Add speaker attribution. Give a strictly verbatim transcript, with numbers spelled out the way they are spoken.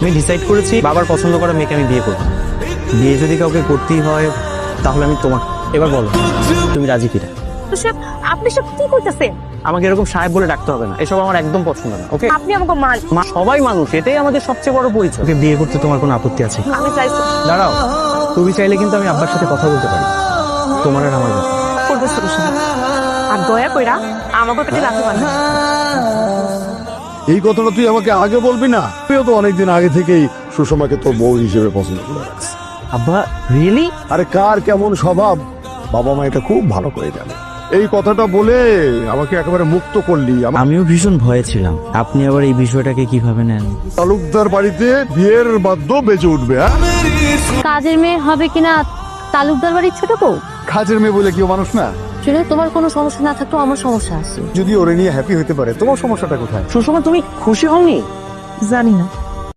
Speaker 1: আমি ডিসাইড করেছি বাবার পছন্দ করা মেয়েকে আমি বিয়ে করব। বিয়ে যদি কাউকে করতেই হয় তাহলে আমি তোমার। এবার বলো তুমি রাজি কিনা?
Speaker 2: আপনি সব কি করতেছেন?
Speaker 1: আমাকে এরকম সাহেব বলে ডাকতে হবে না, এসব আমার একদম পছন্দ না। ওকে,
Speaker 2: আপনি আমাকে মান
Speaker 1: মা সবাই মানুষ, এটাই আমাদের সবচেয়ে বড় পরিচয়। ওকে বিয়ে করতে তোমার কোনো আপত্তি আছে?
Speaker 2: আমি চাইছি
Speaker 1: দাঁড়াও, তুমি চাইলে কিন্তু আমি আব্বার সাথে কথা বলতে পারি, তোমার আর আমার ব্যাপারে।
Speaker 2: করবে সরষা আর দয়া কইরা আমাকে পেটে রাখতে পারবেন।
Speaker 3: এই কথাটা তুই আমাকে আগে বলবি না? তুইও তো অনেকদিন আগে থেকেই সুষমাকে তোর বউ হিসেবে পছন্দ করে রাখছিস।
Speaker 1: আব্বা রিয়েলি?
Speaker 3: আরে কার কেমন স্বভাব বাবা মা এটা খুব ভালো করে জানে। এই কথাটা বলে আমাকে একেবারে মুক্ত করলি। আমার
Speaker 1: আমিও ভীষণ ভয়ে ছিলাম, আপনি আবার এই বিষয়টাকে কিভাবে নেন?
Speaker 3: তালুকদার বাড়িতে বিয়ের বাদ্য বেজে উঠবে। হ্যাঁ,
Speaker 4: কাজের মেয়ে হবে কিনা তালুকদার বাড়ির ছোট বউ?
Speaker 3: কাজের মেয়ে বলে কেউ মানুষ না।
Speaker 4: শুনে তোমার কোনো সমস্যা না থাকলেও আমার সমস্যা আছে।
Speaker 3: যদি ওরে নিয়ে হ্যাপি হতে পারে, তোমার সমস্যাটা কোথায়?
Speaker 1: সুষমা তুমি খুশি হওনি?
Speaker 2: জানি না